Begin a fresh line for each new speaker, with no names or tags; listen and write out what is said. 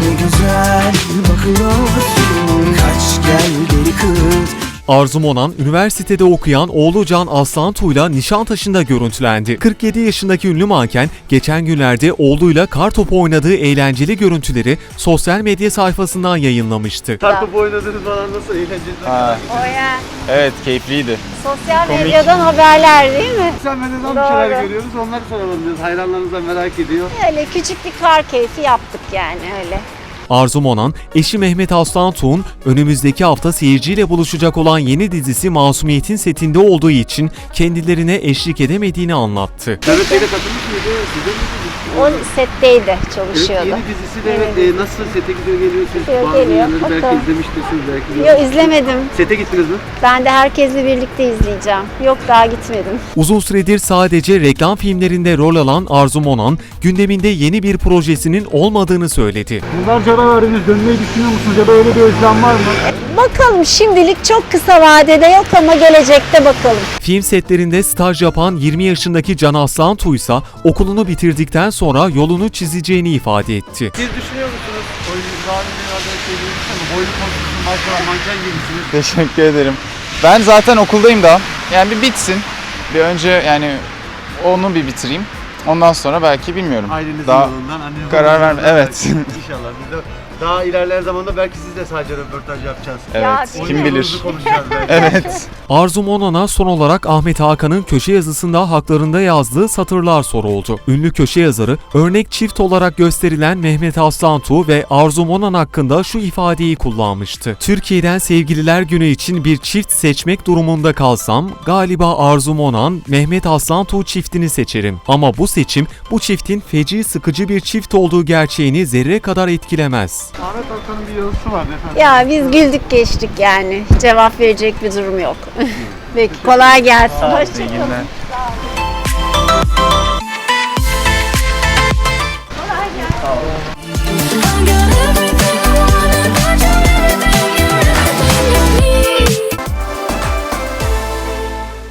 Ne güzel bakıyorsun, kaç gel geri kız.
Arzu Monan, üniversitede okuyan oğlu Can Aslantuğ'yla Nişantaşı'nda görüntülendi. 47 yaşındaki ünlü manken, geçen günlerde oğluyla kartopu oynadığı eğlenceli görüntüleri sosyal medya sayfasından yayınlamıştı.
Kartopu oynadınız falan, nasıl eğlenceli?
O ya.
Evet, keyifliydi.
Sosyal
Komik.
medyadan haberler değil mi?
Sosyal medyadan bir
Doğru.
şeyler görüyoruz, onları soralım diyoruz. Hayranlarınız da merak ediyor.
Öyle küçük bir kar keyfi yaptık yani öyle.
Arzu Monan, eşi Mehmet Aslantuğ'un önümüzdeki hafta seyirciyle buluşacak olan yeni dizisi Masumiyet'in setinde olduğu için kendilerine eşlik edemediğini anlattı.
Mehmet Bey'le katılmış mıydı? Size mi?
O setteydi,
Evet,
çalışıyordu.
yeni dizisi de evet, nasıl sete gidiyor geliyorsunuz?
Gidiyor,
Bazı
geliyor.
yerleri belki
Bakalım.
izlemiştirsiniz belki.
Yok izlemedim.
Sete gittiniz mi?
Ben de herkesle birlikte izleyeceğim. Yok daha gitmedim.
Uzun süredir sadece reklam filmlerinde rol alan Arzu Monan, gündeminde yeni bir projesinin olmadığını söyledi.
Yıllarca ara verdiniz, dönmeyi düşünüyor musunuz ya da öyle bir özlem var mı?
Bakalım şimdilik çok kısa vadede yok ama gelecekte bakalım.
Film setlerinde staj yapan 20 yaşındaki Can Aslantuğ ise okulunu bitirdikten sonra yolunu çizeceğini ifade etti.
Siz düşünüyor musunuz? Oyuncu daha önce biraz söylediğiniz ama boylu konuşuyorsunuz, maşallah manken gibisiniz.
Teşekkür ederim. Ben zaten okuldayım daha. Yani bir bitsin. Bir önce yani onu bir bitireyim. Ondan sonra belki bilmiyorum.
Ailenizin
Daha
yolundan, annenizin
karar
yolundan
verme. Evet.
belki. İnşallah biz de daha ilerleyen zamanda belki siz de sadece röportaj yapacağız.
Ya,
Evet.
değil
Kim
mi?
bilir.
Oyununuzu konuşacağız belki.
Evet.
Arzu Monan'a son olarak Ahmet Hakan'ın köşe yazısında haklarında yazdığı satırlar soruldu. Ünlü köşe yazarı, örnek çift olarak gösterilen Mehmet Aslantuğ ve Arzu Monan hakkında şu ifadeyi kullanmıştı. Türkiye'den Sevgililer Günü için bir çift seçmek durumunda kalsam, galiba Arzu Monan, Mehmet Aslantuğ çiftini seçerim. Ama bu seçim, bu çiftin feci sıkıcı bir çift olduğu gerçeğini zerre kadar etkilemez.
Ahmet Hakan'ın bir yazısı vardı efendim.
Ya biz güldük geçtik yani. Cevap verecek bir durum yok. Peki kolay gelsin.
İyi
Hoşçakalın.
günler.